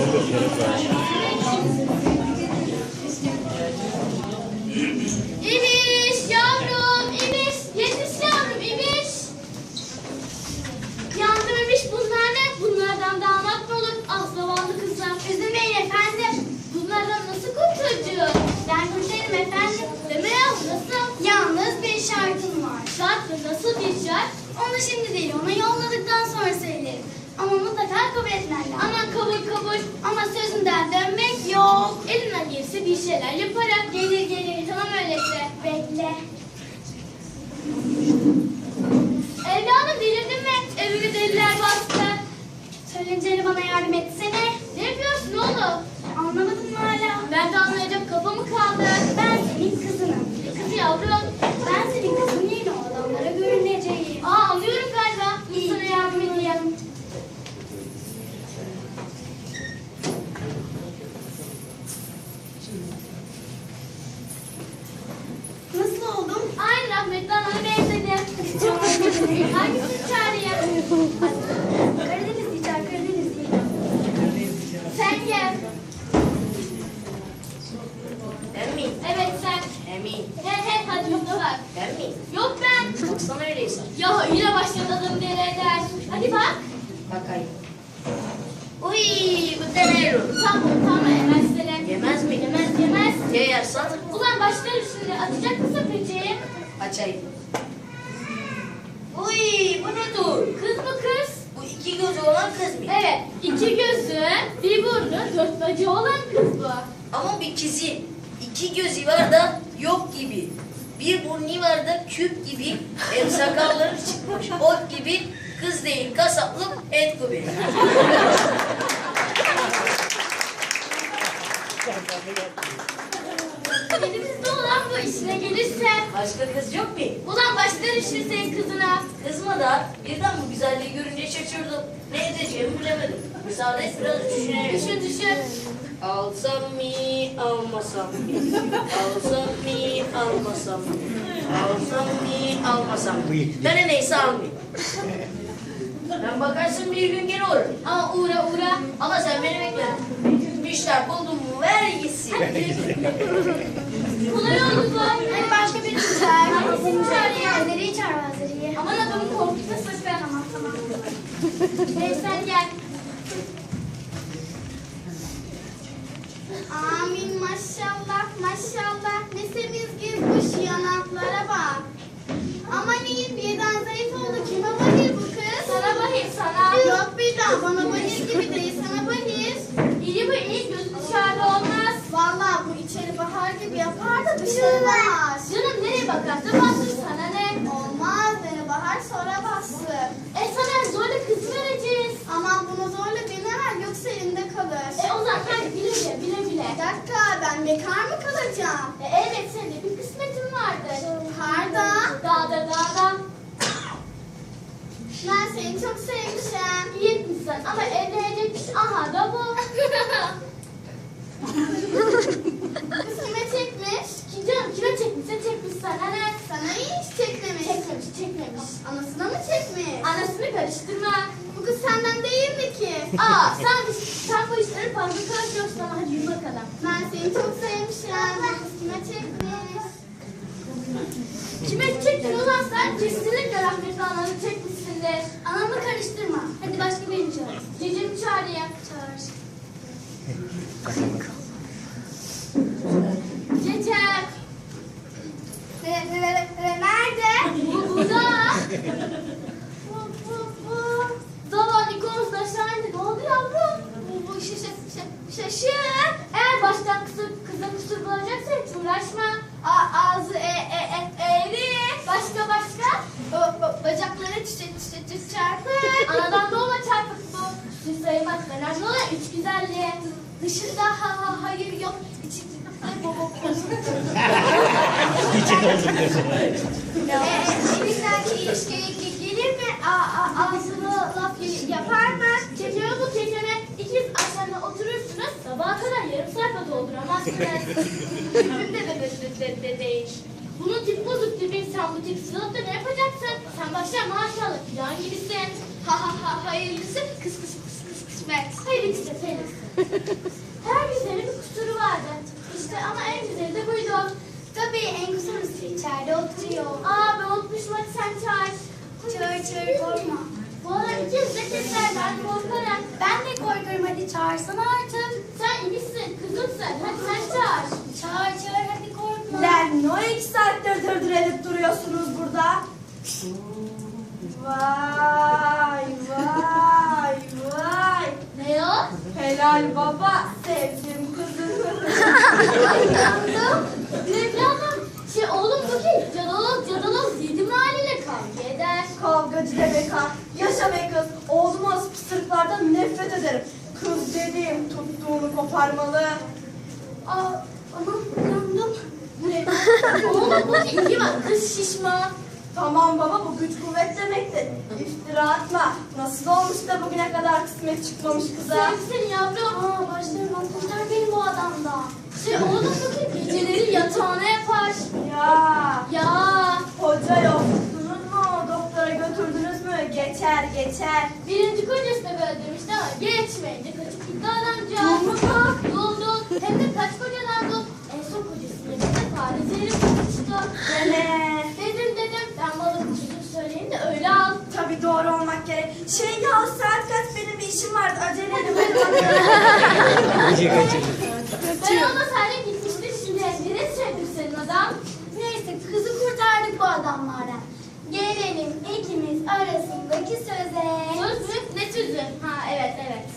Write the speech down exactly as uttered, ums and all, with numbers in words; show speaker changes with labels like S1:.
S1: İbiş yavrum, İbiş. Yetiş yavrum, İbiş. Yandım İbiş, bunlar ne? Bunlardan damat mı olur? Ah zavallı kızlar. Üzülmeyin efendim. Bunlardan nasıl kurtulacağız? Ben kurtarırım efendim. Deme yahu nasıl? Yalnız bir şartım var. Şart mı? Nasıl bir şart? Onu şimdi değil, ona yolladıktan sonra söylerim. Ama mutlaka kabul etmen lazım. Aman kabul kabul. Ama sözünden dönmek yok. Elinden gelirse bir şeyler yaparım. Gelir gelir. Tamam öyleyse. Bekle. Evladım delirdin mi? Evimi deliler bastı. Söylenceli bana yardım etsene. Ne yapıyorsun oğlum? Anlamadım mı hala? Ben de anlayacak kafa mı kaldı? Ben senin kızınım. Kız yavrum. Ben senin kızın yeni o adamlara görüneceğim. Aa anlıyorum galiba. İyi. Sana yardım edeyim. Nasıl oldum? Aynı rahmetli anana benzedim. Çok özledim. Hangisini çağırayım? Karadenizli çağır, Karadenizli. Sen gel.
S2: Ben miyim?
S1: Evet sen.
S2: Emin.
S1: He he hadi yokla bak.
S2: Ben miyim?
S1: Yok ben.
S2: Baksana öyleyse.
S1: Ya yine başladı adam deli eder. Hadi bak.
S2: Bakayım. Uy, bu tenero.
S1: Tamam tamam yemez seni.
S2: Yemez mi?
S1: Yemez yemez.
S2: Ya yersen?
S1: Ulan başlarım şimdi. Atacak mısın peki?
S2: Açayım. Uy, bu ne dur?
S1: Kız mı kız?
S2: Bu iki gözü olan kız mı?
S1: Evet. İki gözü, bir burnu, dört bacağı olan kız bu.
S2: Ama bir kızın iki gözü var da yok gibi. Bir burnu var da küp gibi. Hem sakalları çıkmış ot gibi. Kız değil kasaplık et gibi.
S1: Elimizde olan bu işine gelirse.
S2: Başka kız yok mu?
S1: Ulan başlarım şimdi senin kızına.
S2: Kızma da birden bu güzelliği görünce şaşırdım. Ne edeceğimi bilemedim. Müsaade et biraz düşünelim.
S1: Düşün düşün.
S2: Alsam mı, almasam mı? Alsam mı, almasam mı? Alsam mı, almasam mı? Ben de neyse almayayım. Ben bakarsın bir gün geri olur.
S1: Ama uğra uğra.
S2: Ama sen beni bekle. Bir işler buldum mu ver gitsin.
S1: Kolay oldu bu. Hadi başka birini çağır. Hangisini çağırayım?
S3: Azeri'yi çağır Azeri'yi.
S1: Aman adamı korkutma sakın. Tamam tamam. Hey sen gel.
S3: Amin maşallah maşallah. Ne semiz girmiş yanaklara bak. Aman iyi birden zayıf oldu. Kime bahir bu kız?
S1: Sana bahir sana.
S3: Yok birden bana bahir gibi değil sana bahir.
S1: İyi bu iyi. Gözü dışarıda olmaz.
S3: Vallahi bu içeri bahar gibi yapar da dışarı bahar.
S1: Canım nereye bakarsa bastır sana ne?
S3: Olmaz beni bahar sonra bastır.
S1: E sana zorla kız vereceğiz.
S3: Aman bunu zorla birine ver yoksa elinde kalır.
S1: E o zaman hadi bile bile bile bile.
S3: Bir dakika ben bekar mı kalacağım?
S1: E evet senin de bir kısmetin vardır.
S3: Karda.
S1: Dağda dağda.
S3: Ben seni çok sevmişim.
S1: İyi etmişsin ama evlenecek kişi aha da bu.
S3: Kız kime çekmiş?
S1: Kim canım kime çekmişse çekmiş sana ne?
S3: Sana hiç çekmemiş.
S1: Çekmemiş çekmemiş.
S3: Anasına mı çekmiş?
S1: Anasını karıştırma.
S3: Bu kız senden değil mi ki?
S1: Aa sen, sen bu işleri fazla karışıyorsun ama hadi yürü bakalım.
S3: Ben seni çok sevmişim. Bu kız kime çekmiş?
S1: Kime çektin ulan sen? Kesinlikle rahmetli ananı çekmişsindir.
S3: Anamı karıştırma. Hadi başka birini çağır.
S1: Cicimi çağırayım.
S3: Çağır.
S1: Cecem.
S3: Nerede?
S1: Bu burada. Bu bu bu. Zavallı Nikonuz da aşağı indi. Ne oldu yavrum?
S3: Bu bu şaşı
S1: Şaşır. Eğer baştan kısır, kıza kusur bulacaksa hiç uğraşma.
S3: A, ağzı e e e eğri.
S1: Başka başka?
S3: O, ba- bacakları çiçek çiçek çiçek çarpık.
S1: Anadan doğma çarpık bu. Süs sayılmaz. Önemli olan üç güzelliği.
S3: Dışında ha ha hayır yok. İçinde bo bo bo. Ee, Elinden ilişkiye gelir mi? A, a, ağzını laf y- yapar mı?
S1: Çekeme bu çekeme. İkiz aşağıda oturursunuz. Sabaha kadar yarım sayfa dolduramazsınız.
S3: Tipim de de de de de değil.
S1: Bunun tip bozuk tipi. Sen bu tip sınıfta ne yapacaksın? Sen başla maşallah filan gibisin.
S3: Ha ha ha hayırlısı kıs kıs kıs kıs kıs. kısmet.
S1: Felix de Felix. Her güzelin bir kusuru vardı. İşte ama en güzeli de buydu.
S3: Tabii en kusurlusu içeride oturuyor.
S1: Aa ben unutmuşum, hadi sen çağır.
S3: Çağır çağır korkma.
S1: Bu ara ikiz de keslerden korkarım.
S3: Ben de korkarım, hadi çağırsana artık.
S1: Sen iyisin, kızımsın. Hadi sen çağır.
S3: Çağır çağır hadi korkma.
S4: Lan ne o iki saattir dırdır edip duruyorsunuz burada? Vay vay vay.
S1: Ne o?
S4: Helal baba, sevdim kızını.
S1: Yandım. Evladım. Şey oğlum bu ki cadaloz cadaloz yedim haliyle kavga eder.
S4: Kavgacı demek ha. Yaşa be kız. Oğlum az pısırıklardan nefret ederim. Kız dediğim tuttuğunu koparmalı.
S1: Aa, aman yandım. Oğlum bu ki iyi bak, kız şişman.
S4: Tamam baba, bu güç kuvvet demektir. İftira atma. Nasıl olmuş da bugüne kadar kısmet çıkmamış kıza?
S1: Sevsin yavrum. Aa başlarım kurtar beni bu adamdan. Şey oğlum bu ki geceleri yatağına yapar.
S4: Ya
S1: Ya.
S4: hoca yok. Tuttunuz mu? Doktora götürdünüz mü? Geçer geçer.
S1: Birinci kocası da böyle demişti ama geçmeyince kaçıp gitti adamcağız. Duldu. Hem de kaç kocadan dul. En son kocasının yanında fare zehri bulmuştu.
S4: Dene.
S1: Dedim dedim ben bana çocuk söyleyeyim de öyle al.
S4: Tabii doğru olmak gerek. Şey ya, saat kaç, benim bir işim vardı. Acele edin.
S1: Ben olmasaydım gitmişti şimdi. Nereye sevdim senin adam?
S3: Neyse kızı kurtardık bu adamlardan. Gelelim ikimiz arasındaki söze.
S1: Söz mü? Ne sözü? Ha evet evet.